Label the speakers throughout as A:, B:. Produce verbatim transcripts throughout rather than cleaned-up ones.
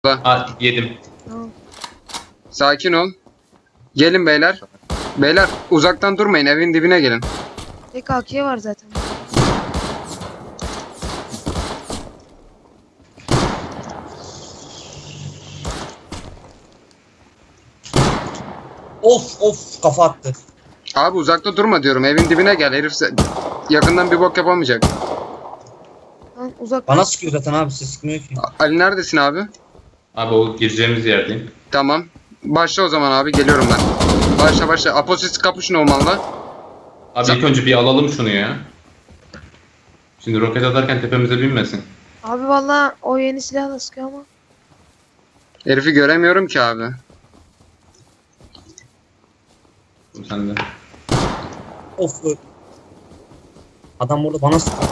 A: Ha, yedim.
B: Tamam.
C: Sakin ol. Gelin beyler. Beyler uzaktan durmayın, evin dibine gelin.
B: Tek A K var zaten.
D: Of of kafa attı.
C: Abi uzakta durma diyorum, evin dibine gel. Herif se- yakından bir bok yapamayacak.
B: Lan uzak.
D: Bana sıkıyor zaten abi, siz sıkmıyor ki.
C: A- Ali neredesin abi?
A: Abi o gireceğimiz yerdeyim.
C: Tamam. Başla o zaman abi, geliyorum ben. Başla başla. Aposis kapışın olmalı.
A: Abi
C: Sen-
A: ilk önce bir alalım şunu ya. Şimdi roket atarken tepemize binmesin.
B: Abi valla o yeni silahla sıkıyor ama.
C: Herifi göremiyorum ki abi.
A: Bu sende.
D: Of. ö- Adam burada bana sıkıyor.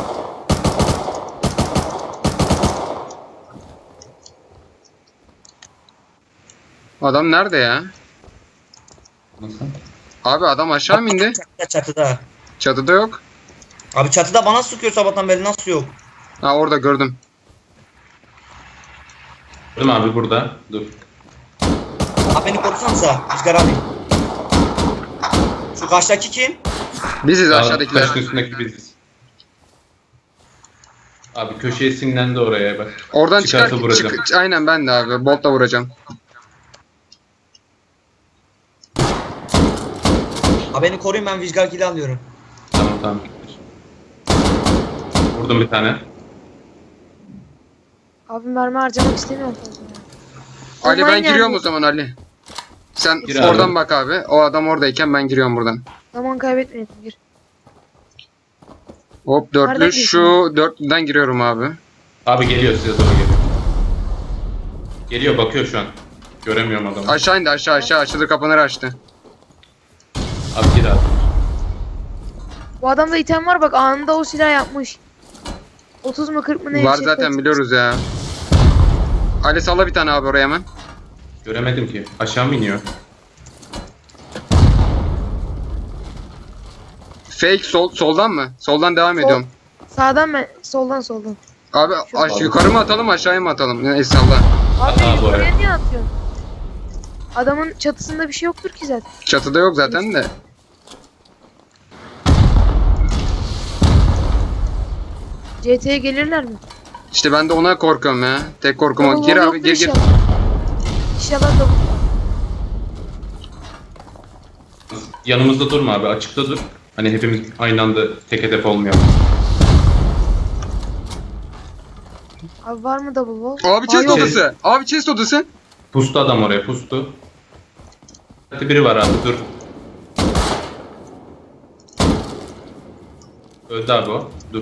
C: Adam nerede ya?
A: Nasıl?
C: Abi adam aşağı mı indi?
D: Çatıda çatıda.
C: Çatıda yok.
D: Abi çatıda bana sıkıyor sabahtan beri, nasıl yok?
C: Ha orada gördüm.
A: Gördüm abi burada. Dur.
D: Abi beni korusanıza Rüzgar abi. Şu karşıdaki kim?
C: Biziz
A: Aa,
C: aşağıdakiler.
A: taşın üstündeki biziz. Abi köşeye sinirlendi oraya bak.
C: Oradan çıkar.
A: Çıkarsa vuracağım.
C: Çık, aynen ben de abi. Boltla vuracağım.
D: Abi beni koruyun, ben Rüzgar kili alıyorum.
A: Tamam tamam. Vurdum bir tane.
B: Abi mermi harcamak istemiyorum fazla. ya.
C: Ali ben
B: Olmayın
C: giriyorum
B: yani.
C: o zaman Ali. Sen
A: Gir
C: oradan
A: abi.
C: bak abi. O adam oradayken ben giriyorum buradan.
B: Zaman kaybetmeyelim, gir.
C: Hop
B: Nereden
C: dörtlü.
B: giriyorsun?
C: Şu dörtlüden giriyorum abi.
A: Abi geliyor, size doğru geliyor. Geliyor, bakıyor şu an. Göremiyorum adamı.
C: Aşağı indi, aşağı aşağı açılır kapanır açtı.
A: Abi gir abi.
B: Bu adamda item var bak, anında o silah yapmış. otuz mu kırk mı ne?
C: Var
B: bir şey
C: zaten
B: koymuş.
C: biliyoruz ya. Ali salla bir tane abi oraya hemen.
A: Göremedim ki. Aşağı mı iniyor?
C: Fake sol soldan mı? Soldan devam
B: Sol.
C: ediyorum.
B: Sağdan ben, soldan soldan.
C: Abi
B: Şu-
C: aş- yukarı mı atalım aşağıya mı atalım? Neyse salla.
B: Abi
A: Aa, bu
B: yukarıya
A: arada.
B: niye atıyorsun? Adamın çatısında bir şey yoktur ki zaten.
C: Çatıda yok zaten de.
B: C T'ye gelirler mi?
C: İşte ben de ona korkuyorum ya. Tek korkum o.
B: Double
C: Gir
B: wall
C: abi
B: yoktur
C: gir gir.
B: inşallah. İnşallah da
A: Yanımızda durma abi, açıkta dur. Hani hepimiz aynı anda tek hedef olmayalım.
B: Abi var mı double wall?
C: Abi
B: Aa,
C: chest
B: yok.
C: odası. Abi chest odası.
A: Pustu adam oraya, pustu. Biri var abi, dur. Öldü abi o, dur.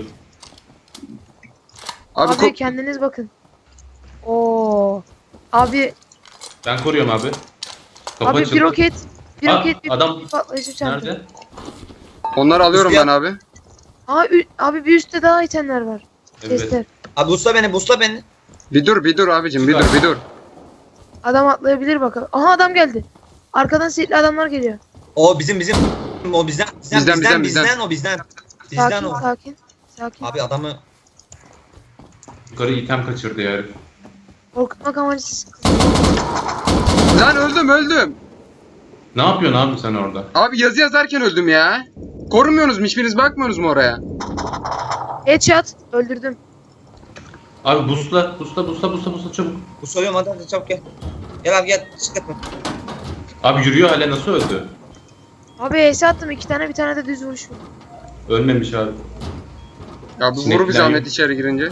C: Abi,
B: Abi,
C: ko-
B: kendiniz bakın. Oo. Abi,
A: Ben koruyorum abi. Kapı
B: abi
A: açıldı.
B: bir roket, bir
A: Aa,
B: roket, bir
A: adam
B: patlayıcı çarptı.
A: nerede?
C: onları alıyorum
D: Rüzgar-
C: ben abi.
B: Aa, ü- abi bir üstte daha itemler var.
A: Evet.
B: Chestler.
D: Abi busla beni, busla beni.
C: Bir dur bir dur abicim bir dur bir dur.
B: Adam atlayabilir bakalım. Aha adam geldi. Arkadan silahlı adamlar geliyor.
D: O bizim bizim o bizden bizden
C: Bizden,
D: bizden bizden,
C: bizden,
D: o bizden. Bizden
B: Sakin,
D: o.
B: sakin. Sakin.
D: Abi adamı
A: Yukarı item kaçırdı ya herif.
B: Korkutmak amacısız.
C: Lan öldüm öldüm.
A: Ne yapıyorsun abi sen orada?
C: Abi yazı yazarken öldüm ya. Korumuyorsunuz mu? Hiçbiriniz bakmıyorsunuz mu oraya?
B: Headshot. Öldürdüm.
A: Abi busla, busla, busla, busla, busla çabuk.
D: busluyorum, hadi hadi çabuk gel. Gel abi gel, sıkıntı.
A: Abi yürüyor hala, nasıl öldü?
B: Abi H S attım iki tane, bir tane de düz vuruş vurdum.
A: Ölmemiş abi.
C: Ya bu
A: Sinek
C: vuru bir
A: falan
C: zahmet
A: yok.
C: içeri girince.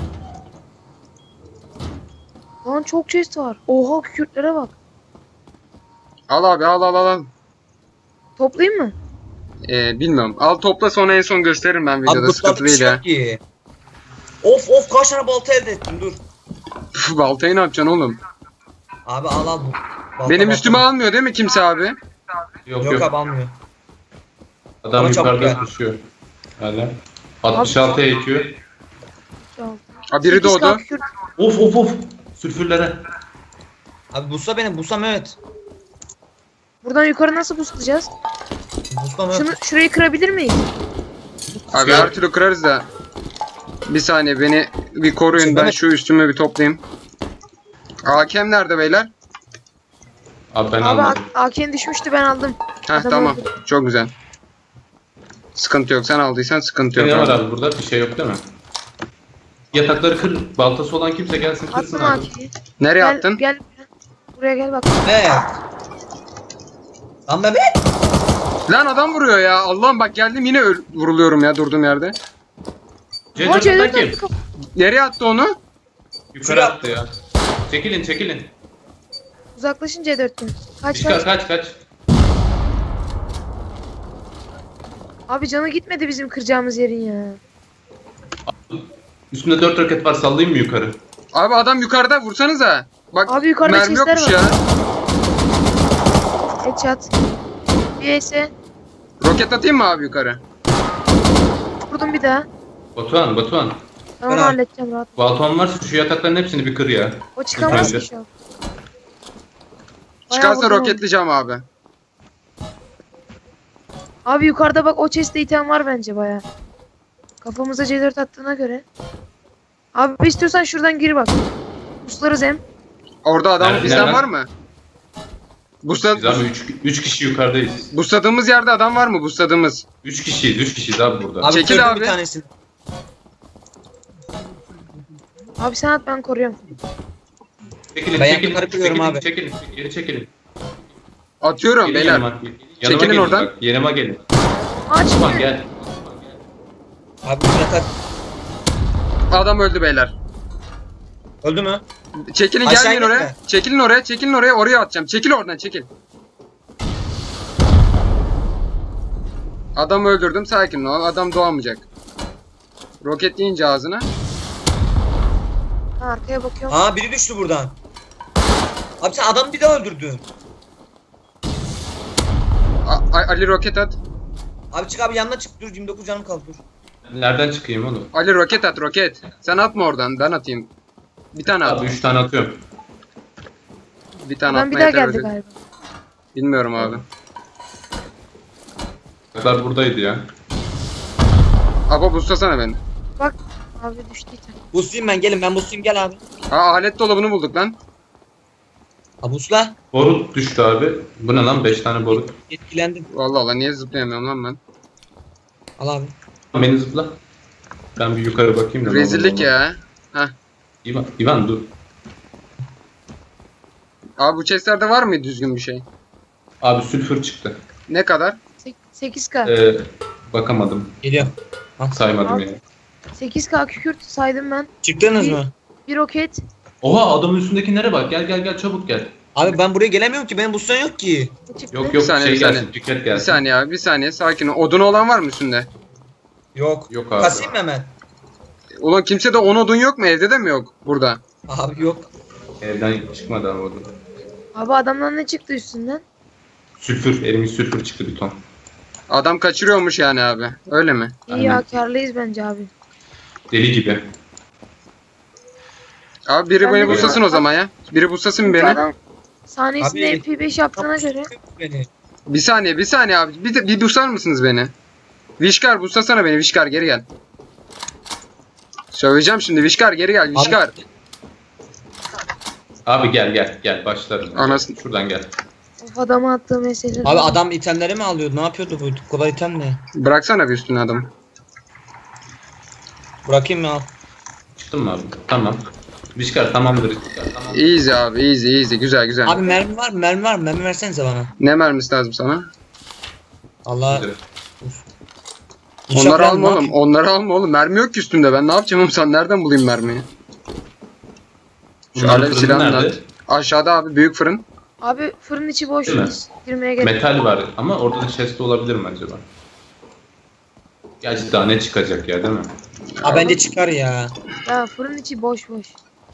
B: Lan çok chest var. Oha, kükürtlere bak.
C: Al abi al al al. al.
B: Toplayayım mı?
C: Ee, bilmiyorum. Al topla sonra en son gösteririm ben
D: Abi
C: videoda. Sıkıntı
D: buslarda bir
C: değil
D: şey
C: ya.
D: yok ki. Of of, kaç tane balta elde ettim, dur.
C: Püf, baltayı ne yapacaksın oğlum?
D: Abi al al bu. Balta,
C: Benim
D: balta.
C: üstüme almıyor değil mi kimse abi?
A: Yok
D: Yok,
A: yok.
D: abi almıyor.
A: Adam
D: Ama çabuk
A: yukarıda
D: gel.
A: koşuyor. Hala. altmış altıya ekiyor.
B: Şu an.
C: Ha biri
B: sekiz K
C: doğdu.
B: kükürt.
A: Of of of. Sülfürlere.
D: Abi busla beni, busla Mehmet.
B: Buradan yukarı nasıl boostlayacağız?
D: Busla Mehmet.
B: Şunu, şurayı kırabilir miyiz?
C: Abi her türlü kırarız da. Bir saniye beni bir koruyun,
D: Şey,
C: ben
D: Mehmet-
C: şu üstümü bir toplayayım. A K M nerede beyler?
A: Abi ben
B: Abi
A: almadım.
B: A K'nin düşmüştü ben aldım.
C: Heh
B: Adam
C: tamam.
B: öldü.
C: Çok güzel. Sıkıntı yok. Sen aldıysan sıkıntı yok.
A: Ne var
C: abi.
A: abi burada? Bir şey yok değil mi? Yatakları kır. Baltası olan kimse gelsin kırsın
B: Attım A
A: abi.
B: K'yi.
C: Nereye
B: Gel,
C: attın?
B: gel. Buraya gel bak.
D: Ne? Lan Mehmet.
C: Lan adam vuruyor ya. Allah'ım bak geldim yine öl- vuruluyorum ya durduğum yerde.
A: C
B: Aa, C
A: dörtten
B: dört
A: kim?
B: attı kap-
C: Nereye attı onu?
A: Yukarı attı ya. Çekilin çekilin.
B: Uzaklaşın C dörtten. Kaç
A: Çıkar
B: kaç.
A: kaç kaç.
B: Abi canı gitmedi bizim kıracağımız yerin ya.
A: Üstünde dört roket var, sallayayım mı yukarı?
C: Abi adam yukarıda vursanıza. Bak
B: Abi yukarıda
C: mermi
B: chestler
C: yokmuş
B: var.
C: ya.
B: Headshot. Bir ise
C: Roket atayım mı abi yukarı?
B: vurdum bir daha.
A: Batuhan Batuhan.
B: Ben onu
D: Bırak.
B: halledeceğim rahat.
A: Balton varsa şu yatakların hepsini bir kır ya.
B: O çıkamaz ki
A: Yukarıda.
B: şu an. Bayağı
C: Çıkarsa
B: vurdum onu.
C: roketleyeceğim abi.
B: Abi yukarıda bak o chest'te item var bence baya. Kafamıza C dört attığına göre. Abi istiyorsan şuradan gir bak. Puslarız hem.
C: Orada adam
A: Nerede-
C: bizden
A: nereden?
C: var mı? Busla,
A: Biz abi üç kişi yukarıdayız.
C: busladığımız yerde adam var mı? Busladığımız.
A: üç kişiyiz üç kişiyiz abi burada.
D: Abi
C: Çekil
D: kırdım
C: abi.
D: bir tanesini.
B: Abi sen at ben koruyorum.
A: Çekilin
D: Ben
A: çekilin
D: yukarı kırıyorum
A: çekilin,
D: abi.
A: çekilin geri çekilin.
C: Atıyorum
A: Gelin
C: beyler.
A: yanıma. Yanıma
C: Çekilin
A: gelin
C: oradan.
A: bak, yanıma gelin.
B: Aç.
A: Batuhan gel.
D: Abi bir yatak.
C: Adam öldü beyler.
D: Öldü mü?
C: Çekilin
D: Aşağı
C: gelmeyin
D: gitme.
C: oraya. Çekilin oraya. Çekilin oraya. Oraya atacağım. Çekil oradan çekil. Adamı öldürdüm. Sakin ol. Adam doğamayacak. Roket yiyince ağzına.
B: Ha, arkaya bakıyorum.
D: Aa biri düştü buradan. Abi sen adamı bir daha öldürdün.
C: A- A- Ali roket at.
D: Abi çık abi yanına çık dur yirmi dokuz canım kaldı dur.
A: Nereden çıkayım oğlum?
C: Ali roket at roket. Sen atma oradan. Ben atayım. Bir tane at.
A: Abi üç tane atıyorum.
C: Bir tane
B: Adam bir
C: atma
B: daha
C: yeter.
B: geldi
C: öyle.
B: galiba.
C: Bilmiyorum abi.
A: Yataklar buradaydı ya.
C: Aba buslasana beni.
B: Bak abi düştü item.
D: Buslayayım ben gelin ben buslayayım gel abi.
C: Aa alet dolabını bulduk lan.
D: Ha busla.
A: Borut düştü abi. Bu ne lan? beş tane borut.
D: Etkilendim.
C: Vallahi Allah niye zıplayamıyorum lan ben.
D: Al abi.
A: Beni zıpla. Ben bir yukarı bakayım da. ne
C: Rezillik
A: olur, ne
C: ya.
A: olur. İvan, İvan dur.
C: Abi bu chestlerde var mı düzgün bir şey?
A: Abi sülfür çıktı.
C: Ne kadar?
B: sekiz K.
A: Ee, bakamadım.
D: Geliyorum.
A: Saymadım
B: Abi.
A: yani.
B: sekiz K kükürt saydım ben.
D: Çıktınız mı?
B: Bir roket.
A: Oha adamın üstündekilere bak. Gel gel gel çabuk gel.
D: Abi ben buraya gelemiyorum ki benim buslan yok ki.
B: Ne çıktı?
A: Yok
C: Bir
A: yok
C: saniye,
A: şey
C: bir saniye.
A: gelsin. Tüket
C: Bir
A: gelsin.
C: saniye abi bir saniye sakin ol. Odun olan var mı üstünde?
D: Yok.
A: Yok abi.
D: Kasayım mı hemen?
C: Ulan kimsede on odun yok mu? Evde de mi yok? Burada.
D: Abi yok.
A: Evden çıkmadı abi orada.
B: Abi adamdan ne çıktı üstünden?
A: Sülfür. Elimiz sülfür çıktı bir ton.
C: Adam kaçırıyormuş yani abi. Öyle mi?
B: İyi
A: Aynen.
B: ya karlıyız bence abi.
A: Deli gibi.
C: Abi biri
B: Ben
C: beni
B: de
C: buslasın
B: bir-
C: o zaman ya. Biri buslasın
B: Çünkü
C: beni.
B: adam saniyesinde
D: Abi-
B: M P beş yaptığına göre.
D: Beni.
C: Bir saniye bir saniye abi. Bir, de, bir buslar mısınız beni? Vişkar buslasana beni Vişkar geri gel. Söyleyeceğim şimdi Vişkar geri gel Vişkar.
A: Abi gel gel gel başlarım.
C: Anasını-
A: Şuradan gel.
B: Of adama attığı meseleler.
D: Abi adam itemleri mi alıyordu? Ne yapıyordu bu? Bu kadar item ne?
C: Bıraksana bir üstüne adamı.
D: Bırakayım mı al?
A: Çıktın mı abi? Tamam. Vişkar tamamdır. Vişkar tamam.
C: Easy abi easy easy güzel güzel.
D: Abi mermi var mı? Mermi var mı? Mermi versenize bana.
C: Ne mermisi lazım sana?
D: Allah.
A: Nedir?
D: İnşaat
C: Onları
D: var mı?
C: alma oğlum. Onları alma oğlum. Mermi yok ki üstünde. Ben ne yapacağım oğlum? Sen nereden bulayım mermiyi? Şu
A: Bunların
C: alev
A: fırını
C: silahını
A: nerede?
C: at. Aşağıda abi büyük fırın.
B: Abi fırın içi boş.
A: Değil mi?
B: Biz girmeye gerek.
A: Metal var ama orada da chest olabilir mi acaba? Gerçi daha ne çıkacak ya değil mi?
D: Abi bence çıkar ya.
B: Ya fırın içi boş boş.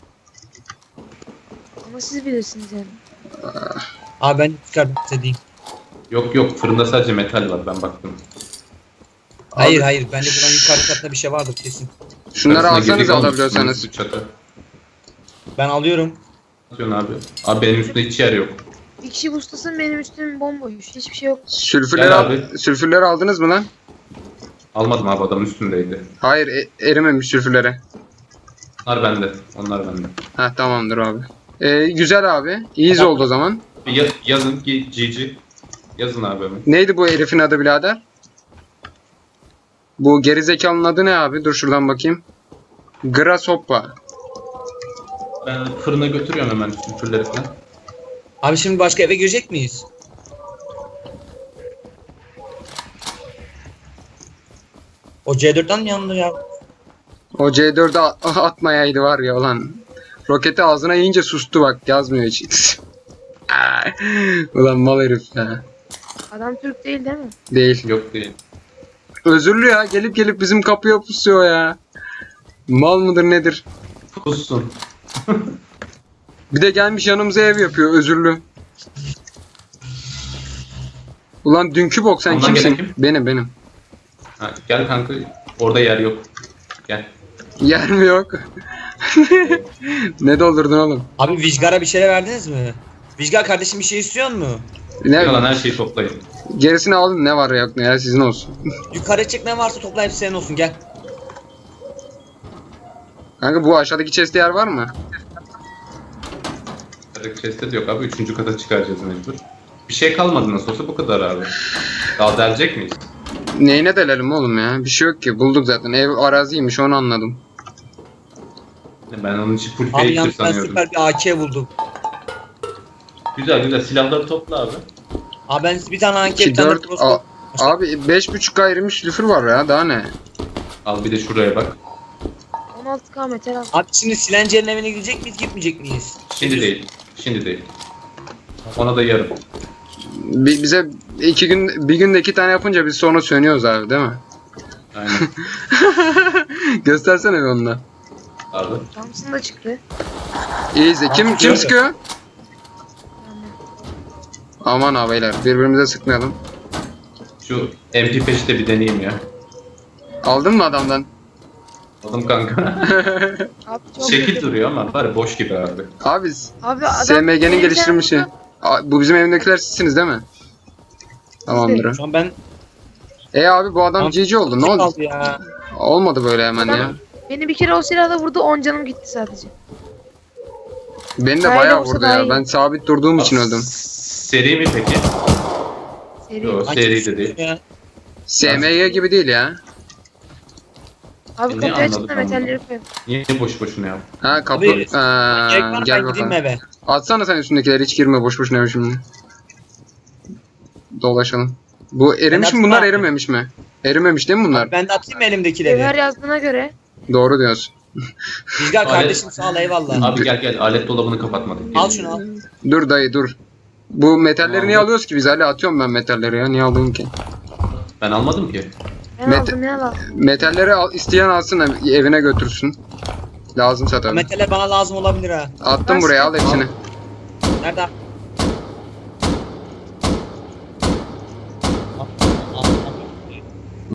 B: Ama siz bilirsiniz yani.
D: Abi bence çıkar istediğim.
A: Yok yok fırında sadece metal var ben baktım.
D: Hayır
C: Abi-
D: hayır. Bence buranın yukarı katında bir şey vardır kesin.
C: Şunları
A: Arasına
C: alsanız
A: girdik ama
C: alabiliyorsanız.
A: üstüne çatı.
D: Ben alıyorum.
A: Atıyorsun abi. Abi benim üstümde hiç yer yok.
B: Bir kişi bustasın benim üstüm bomboş. Hiçbir şey yok.
C: Sülfürleri,
A: Gel
C: al
A: abi.
C: sülfürleri aldınız mı lan?
A: Almadım abi adamın üstündeydi.
C: Hayır e- erimemiş sülfürleri.
A: Onlar bende. Onlar bende.
C: Ha tamamdır abi. Ee, güzel abi. İyiyiz
D: Tamam.
C: oldu o zaman.
A: Bir ya- yazın ki G G. Yazın abi hemen.
C: Neydi bu herifin adı birader? Bu gerizekalının adı ne abi? Dur şuradan bakayım. Grasshopper.
A: Ben fırına götürüyorum hemen sülfürleri falan.
D: Abi şimdi başka eve girecek miyiz? O C dörtten mi yandı ya?
C: O C dört'e at- atmayaydı var ya ulan. Roketi ağzına yiyince sustu bak, yazmıyor hiç. Ulan mal herif ya.
B: Adam Türk değil değil mi?
C: Değil.
A: Yok değil.
C: Özürlü ya, gelip gelip bizim kapıya pusuyor ya. Mal mıdır nedir?
A: Pussun.
C: Bir de gelmiş yanımıza ev yapıyor, özürlü. Ulan dünkü bok, sen
A: Ondan
C: kimsin?
A: gelen kim?
C: Benim benim.
A: Ha, gel kanka. Orada yer yok. Gel.
C: Yer mi yok? Ne doldurdun oğlum?
D: Abi Vizgar'a bir şeyler verdiniz mi? Vizgar kardeşim bir şey istiyor mu?
C: Ne?
A: Kalan her şeyi toplayın.
C: Gerisini alın, ne var yok ne ya, sizin olsun.
D: Yukarı çık, ne varsa topla, hepsi senin olsun, gel.
C: Kanka bu aşağıdaki chest'te yer var mı?
A: Chest'te de yok abi. Üçüncü kata çıkaracağız mecbur. Bir şey kalmadı nasıl olsa bu kadar abi. Daha delecek miyiz?
C: Neyine delelim oğlum ya? Bir şey yok ki, bulduk zaten. Ev araziymiş, onu anladım.
A: Ben onun için full
D: Abi
A: fake'tir
D: yalnız ben
A: sanıyordum.
D: süper bir A K buldum.
A: Güzel güzel silahları topla abi.
D: Abi ben bir tane A K,
C: iki,
D: bir tane
C: dört,
D: crossbow.
C: a- abi beş buçuk ayrılmış lüfür var ya, daha ne?
A: Al bir de şuraya bak.
B: on altı K metal al.
D: Abi şimdi Silencer'in evine gidecek miyiz, gitmeyecek miyiz?
A: Şimdi değil. Şimdi değil. Ona da yarın.
C: Bi- bize iki gün, bir günde iki tane yapınca biz sonra sönüyoruz abi, değil mi?
A: Aynen.
C: Göstersene bir onu da.
A: Abi.
B: Thompson da çıktı.
C: İyi izle. Kim, kim
D: sıkıyor.
C: sıkıyor?
B: Yani
C: Aman ha beyler, birbirimize sıkmayalım.
A: Şu M P beşi de bir deneyeyim ya.
C: Aldın mı adamdan?
A: Aldım kanka.
B: Abi çok
A: Şekil
B: kötü.
A: duruyor ama var ya boş gibi abi.
C: Abi
B: Abi adam
C: S M G'nin
B: benim
C: geliştirmişi.
B: canımda-
C: A- Bu bizim evindekiler sizsiniz değil mi? Tamamdır.
D: Şu an ben...
C: E abi bu adam
D: Abi,
C: G G oldu, ne oldu?
D: kaldı ya?
C: Olmadı böyle hemen ya.
B: Adam beni bir kere o silahla vurdu, on canım gitti sadece.
C: Beni de
B: Hayır,
C: bayağı
B: olsa
C: vurdu
B: daha
C: ya.
B: iyi.
C: Ben sabit durduğum için öldüm.
A: Seri mi peki?
B: Seri.
A: Yok
D: Ay,
A: seri
D: kim
A: de değil.
D: ya?
C: S M G gibi değil ya.
B: Abi
A: E, ne
B: kapıyı açın da
A: anladık
B: metalleri koyalım.
A: Niye boş boşuna ya?
C: Ha kapı.
D: Abi,
C: Aa,
D: Gerek var mı,
C: gel
D: ben gideyim
C: bakalım.
D: eve?
C: Atsana sen üstündekileri, hiç girme boş boşuna eve şimdi. Dolaşalım. Bu erimiş
D: Ben
C: mi bunlar,
D: atma.
C: erimemiş mi? Erimemiş değil mi bunlar?
D: Ben de atayım mı
B: Cevher
D: elimdekileri?
B: yazdığına göre
C: Doğru diyorsun.
D: Vizgar
A: Alet-
D: kardeşim sağ ol, eyvallah.
A: Abi gel gel alet dolabını kapatmadık.
D: Al
A: Gelin.
D: şunu al.
C: Dur dayı dur. Bu metalleri
A: Tamam.
C: niye alıyoruz ki biz? Hala atıyorum ben metalleri ya. Niye aldın ki?
A: Ben almadım ki.
B: ben
C: Met-
B: aldım ya lan.
C: Metalleri al, isteyen alsın, evine götürsün. Lazımsa tabii.
D: Metaller bana lazım olabilir ha.
C: Attım
B: Ben
C: buraya, al
B: sıkıntı-
C: hepsini.
D: Nerede?